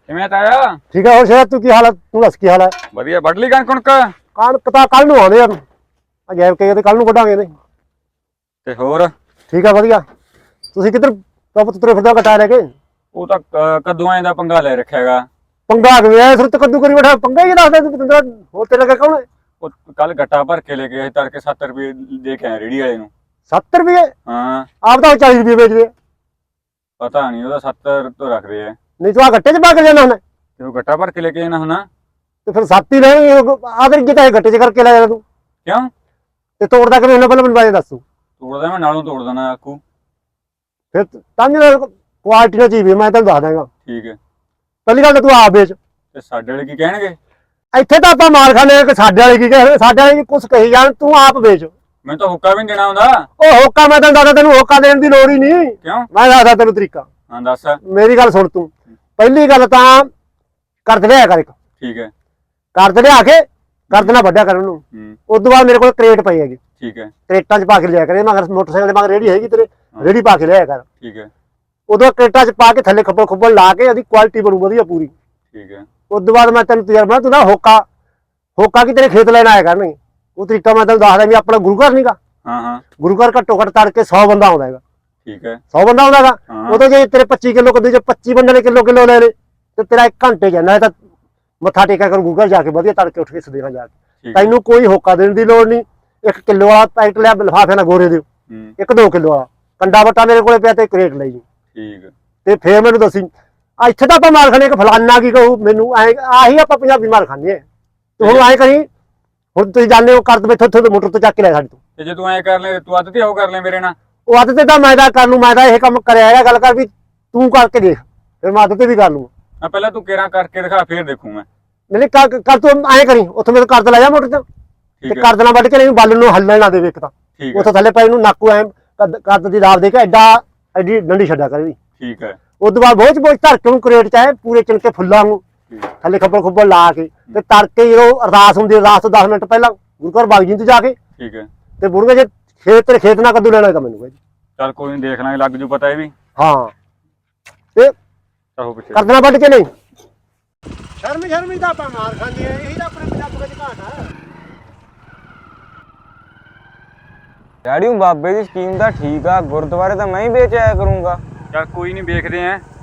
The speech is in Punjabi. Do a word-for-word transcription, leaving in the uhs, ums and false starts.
ਕਿਵੇਂ ਤਾਇਆ? ਠੀਕ ਹੈ। ਹੋਰ ਸ਼ਾਇਦ ਤੂੰ ਕੀ ਹਾਲ ਹੈ? ਤੂੰ ਦੱਸ ਕੀ ਹਾਲ ਹੈ? ਵਧੀਆ। ਵੱਢ ਲਈ ਕਣਕ ਕੁਣਕ? ਕਣਕ ਤਾਂ ਕੱਲ ਨੂੰ ਆਉਂਦੇ ਯਾਰ, ਅਜੈਬ ਕੇ ਤੇ ਕੱਲ ਨੂੰ ਵੱਢਾਂਗੇ ਨੇ। ਤੇ ਹੋਰ ਠੀਕ ਹੈ ਵਧੀਆ। ਤੁਸੀਂ ਕਿੱਧਰ ਕੱਪ ਤੁਰੇ ਫਿਰਦਾ ਕਟਾ ਲੈ ਕੇ? ਉਹ ਤਾਂ ਕ- ਕੱਦੂਆਂ ਦਾ ਪੰਗਾ ਲੈ ਰੱਖਿਆ ਹੈਗਾ। ਪੰਗਾ ਕਿਵੇਂ ਐ? ਸਿਰ ਤੇ ਕੱਦੂ ਕਰੀ ਬੈਠਾ, ਪੰਗਾ ਹੀ ਦੱਸਦਾ ਤੂੰ ਪਤੰਦਰਾ। ਹੋਰ ਤੇਰੇ ਲੱਗਾ ਕੌਣ ਹੈ? ਉਹ ਕੱਲ ਗੱਟਾ ਭਰ ਕੇ ਲੈ ਕੇ ਆਏ, ਤੜਕੇ ਸੱਤ ਰੁਪਏ ਦੇ ਕੇ ਆਏ ਰੇੜੀ ਵਾਲੇ ਨੂੰ। ਸੱਤ ਰੁਪਏ? ਹਾਂ ਆਪ ਤਾਂ ਚਾਲੀ ਰੁਪਏ ਵੇਚਦੇ ਆ। ਪਤਾ ਨਹੀਂ, ਉਹਦਾ ਸੱਤਰ ਤੋਂ ਰੱਖਦੇ ਆ। ਨਹੀਂ ਤੂੰ ਆ ਗੱਟੇ 'ਚ ਪਾ ਕੇ ਜਾਣਾ ਹੁੰਦਾ ਤੇ ਉਹ ਗੱਟਾ ਭਰ ਕੇ ਲੈ ਕੇ ਆਣਾ ਹੁਣ। ਤੇ ਫਿਰ ਸੱਤ ਹੀ ਲੈਣਗੇ। ਆਦਰ ਜਿੱਤਾ ਗੱਟੇ 'ਚ ਕਰਕੇ ਲੈ ਜਾਣਾ ਤੂੰ। ਕਿਉਂ? ਤੇ ਤੋੜਦਾ ਕਿਵੇਂ ਉਹਨਾਂ ਪਹਿਲਾਂ ਮੈਨੂੰ ਬਾਰੇ ਦੱਸੂ। ਤੋੜਦਾ ਮੈਂ ਨਾਲੋਂ ਤੋੜ ਦੇਣਾ ਆਕੂ। ਫਿਰ ਤਾਂ ਕੁਆਲਿਟੀ ਨਾਲ ਚੀਜ਼ ਵੀ ਮੈਂ ਤੈਨੂੰ ਦੱਸ ਦਾਂਗਾ। ਠੀਕ ਹੈ। ਪਹਿਲੀ ਗੱਲ ਤਾਂ ਤੂੰ ਆਪ ਵੇਚ। ਤੇ ਸਾਡੇ ਵਾਲੇ ਕੀ ਕਹਿਣਗੇ? ਇੱਥੇ ਤਾਂ ਆਪਾਂ ਮਾਰ ਖਾਣੇ ਕਿ ਸਾਡੇ ਵਾਲੇ ਕੀ ਕਹੇ, ਸਾਡੇ ਵਾਲੇ ਕੁਛ ਕਹੀ ਜਾਣ, ਤੂੰ ਆਪ ਵੇਚ। ਮੈਨੂੰ ਤਾਂ ਹੁੱਕਾ ਵੀ ਨੀ ਦੇਣਾ ਹੁੰਦਾ। ਉਹ ਹੋਕਾ ਮੈਂ ਤੈਨੂੰ ਦੱਸਦਾ, ਤੈਨੂੰ ਹੋਕਾ ਦੇਣ ਦੀ ਲੋੜ ਹੀ ਨਹੀਂ। ਕਿਉਂ? ਮੈਂ ਦੱਸਦਾ ਤੈਨੂੰ ਤਰੀਕਾ। ਹਾਂ ਦੱਸ। ਮੇਰੀ ਗੱਲ ਸੁਣ ਤੂੰ। ਪਹਿਲੀ ਗੱਲ ਤਾਂ ਕਰਦ ਲਿਆ ਕਰ ਇੱਕ। ਠੀਕ ਹੈ। ਕਰਦ ਲਿਆ ਕੇ ਕਰਦ ਨਾਲ ਵੱਢਿਆ ਕਰ ਉਹਨੂੰ। ਹੂੰ ਉਸ ਤੋਂ ਬਾਅਦ ਮੇਰੇ ਕੋਲ ਕਰੇਟ ਪਈ ਹੈਗੀ, ਠੀਕ ਹੈ। ਕਰੇਟਾਂ 'ਚ ਪਾ ਕੇ ਲਿਆ ਕਰੇ। ਮਗਰ ਮੋਟਰਸਾਈਕਲ ਦੇ ਮਗਰ ਰੇੜੀ ਹੈਗੀ ਤੇਰੇ, ਰੇੜੀ ਪਾ ਕੇ ਲਿਆ ਕਰ। ਠੀਕ ਹੈ। ਉਦੋਂ ਕਰੇਟਾਂ 'ਚ ਪਾ ਕੇ ਥੱਲੇ ਖੱਬਲ ਖੁੱਬਲ ਲਾ ਕੇ ਉਹਦੀ ਕੁਆਲਿਟੀ ਬਣੂ ਵਧੀਆ ਪੂਰੀ। ਠੀਕ ਹੈ। ਉਸ ਤੋਂ ਬਾਅਦ ਮੈਂ ਤੈਨੂੰ ਤਜਰਬਾ, ਤੂੰ ਨਾ ਹੋਕਾ ਹੋਕਾ ਕੀ ਤੇਰੇ ਖੇਤ ਲੈਣ ਆਇਆ ਕਰਨਗੇ। ਉਹ ਤਰੀਕਾ ਮੈਂ ਤੈਨੂੰ ਦੱਸਦਾ ਵੀ ਆਪਣਾ ਗੁਰੂ ਘਰ ਨੀਗਾ, ਹਾਂ ਹਾਂ ਗੁਰੂ ਘਰ ਘੱਟੋ ਘੱਟ ਤੜ ਕੇ ਸੌ ਬੰਦਾ ਆਉਂਦਾ ਹੈਗਾ। ਠੀਕ ਹੈ। ਸੌ ਬੰਦਾ ਆਉਂਦਾ ਹੈਗਾ। ਹਾਂ। ਉਦੋਂ ਜੇ ਤੇਰੇ ਪੱਚੀ ਕਿਲੋ ਕੱਦੂ ਚ ਪੱਚੀ ਬੰਦੇ ਨੇ ਕਿਲੋ ਕਿਲੋ ਲੈ ਲੇ ਤੇ ਤੇਰਾ ਇੱਕ ਘੰਟੇ ਜਾਂਦਾ ਤਾਂ ਮੱਥਾ ਟੇਕਿਆ ਕਰ ਗੁਰੂ ਘਰ ਜਾ ਕੇ, ਵਧੀਆ ਤੜਕੇ ਉੱਠ ਕੇ ਸਦੇਵਾ ਜਾ ਕੇ। ਠੀਕ ਹੈ। ਤੈਨੂੰ ਕੋਈ ਹੋਕਾ ਦੇਣ ਦੀ ਲੋੜ ਨਹੀਂ। ਇੱਕ ਕਿਲੋ ਵਾਲਾ ਪੈਕਟ ਲਿਆ ਲਿਫਾਫੇ ਨਾਲ ਗੋਰੇ ਦਿਓ, ਹੂੰ ਇੱਕ ਦੋ ਕਿਲੋ ਵਾਲਾ ਕੰਡਾ ਬੱਟਾ ਮੇਰੇ ਕੋਲੇ ਪਿਆ ਤੇ ਕਰੇਟ ਲਈ ਜੀ। ਠੀਕ ਹੈ। ਤੇ ਫੇਰ ਮੈਨੂੰ ਦੱਸੀ ਆ ਇੱਥੇ ਤਾਂ ਆਪਾਂ ਮਾਰ ਖਾਣੇ, ਇੱਕ ਫਲਾਨਾ ਕੀ ਕਹੂ ਮੈਨੂੰ, ਐ ਆਹੀ ਆਪਾਂ ਪੰਜਾਬੀ ਮਾਰ ਖਾਂਦੇ ਆ। ਤੂੰ ਹੁਣ ਐਂ ਕਰੀ, ਹੁਣ ਤੁਸੀਂ ਜਾਣਦੇ ਹੋ ਕਰਦ ਬੈਠੋ ਉੱਥੇ ਮੋਟਰ ਤੋਂ ਚੱਕ ਕੇ ਲੈ ਸਾਡੇ ਤੋਂ। ਤੇ ਜੇ ਤੂੰ ਐ ਕਰ ਲੈ, ਤੂੰ ਅੱਧ ਤੇ ਉਹ ਕਰ ਲੈ ਮੇਰੇ ਨਾਲ। ਉਹ ਅੱਧ ਤੇ ਤਾਂ ਮੈਂ ਤਾਂ ਕਰ ਲੂ, ਮੈਂ ਤਾਂ ਇਹ ਕੰਮ ਕਰਿਆ ਹੈਗਾ। ਗੱਲ ਕਰ ਵੀ ਤੂੰ ਕਰਕੇ ਦੇਖ, ਫਿਰ ਮੈਂ ਅੱਧ ਤੇ ਵੀ ਕਰ ਲੂੰ। ਆ ਪਹਿਲਾਂ ਤੂੰ ਕੇਰਾ ਕਰਕੇ ਦਿਖਾ, ਫੇਰ ਦੇਖੂ ਮੈਂ। ਨਹੀਂ ਕਰ ਕਰ ਤੂੰ ਐਂ ਕਰੀ, ਉੱਥੇ ਮੇਰੇ ਕਰਦ ਲੈ ਜਾ ਮੋਟਰ ਤੇ, ਤੇ ਠੀਕ ਹੈ। ਕਰਦ ਨਾਲ ਵੱਢ ਕੇ ਨਹੀਂ ਬੱਲ ਨੂੰ ਹੱਲਣ ਨਾ ਦੇਵੇ ਇੱਕ ਤਾਂ। ਠੀਕ ਹੈ। ਉੱਥੇ ਥੱਲੇ ਪੈ ਨੂੰ ਨਾਕੂ ਐ ਕਰਦ ਦੀ ਰਾਵ ਦੇ ਕੇ ਐਡਾ ਐਡੀ ਡੰਡੀ ਛੱਡਿਆ ਕਰ ਵੀ। ਠੀਕ ਹੈ। ਉਸ ਤੋਂ ਬਾਅਦ ਬਹੁਤ ਬਹੁਤ ਧਰ ਕੇ ਉਹਨੂੰ ਕਰੇਟ ਚ ਆਏ ਪੂਰੇ ਚਿਣਕੇ ਫੁੱਲਾਂ ਨੂੰ ਥੱਲੇ ਖੱਬਲ ਖੁੱਬਲ ਲਾ ਕੇ, ਤੇ ਤੜਕੇ ਜਦੋਂ ਅਰਦਾਸ ਹੁੰਦੀ, ਅਰਦਾਸ ਤੋਂ ਦਸ ਮਿੰਟ ਪਹਿਲਾਂ ਗੁਰੂ ਘਰ ਬਾਗ ਜੀ ਤੂੰ ਜਾ ਕੇ। ਠੀਕ ਹੈ। ਤੇ ਬੁੜਗੇ ਜੇ ਖੇਤ ਤੇਰੇ ਖੇਤ ਨਾਲ ਕੱਦੂ ਲੈਣਾ ਤਾਂ ਮੈਨੂੰ ਕਹੇ। ਚੱਲ ਕੋਈ ਨਹੀਂ, ਦੇਖ ਲਾਂਗੇ, ਲੱਗ ਜੂ ਪਤਾ ਇਹ ਵੀ। ਹਾਂ ਤੇ ਚਾਹੋ ਪਿੱਛੇ ਕਰਦਣਾ ਵੱਢ ਕੇ ਨਹੀਂ। ਸ਼ਰਮੀ ਸ਼ਰਮੀ ਤਾਂ ਆਪਾਂ ਮਾਰ ਖਾਂਦੇ ਆ, ਇਹੀ ਤਾਂ ਆਪਣੇ ਪੰਜਾਬ ਵਿੱਚ ਘਾਟ ਆ। ਡੈਡੀ ਬਾਬੇ ਦੀ ਸਕੀਮ ਤਾਂ ਠੀਕ ਆ, ਗੁਰਦੁਆਰੇ ਤਾਂ ਮੈਂ ਹੀ ਵੇਚ ਆਇਆ ਕਰੂੰਗਾ। ਚੱਲ ਕੋਈ ਨਹੀਂ, ਵੇਖਦੇ ਆਂ।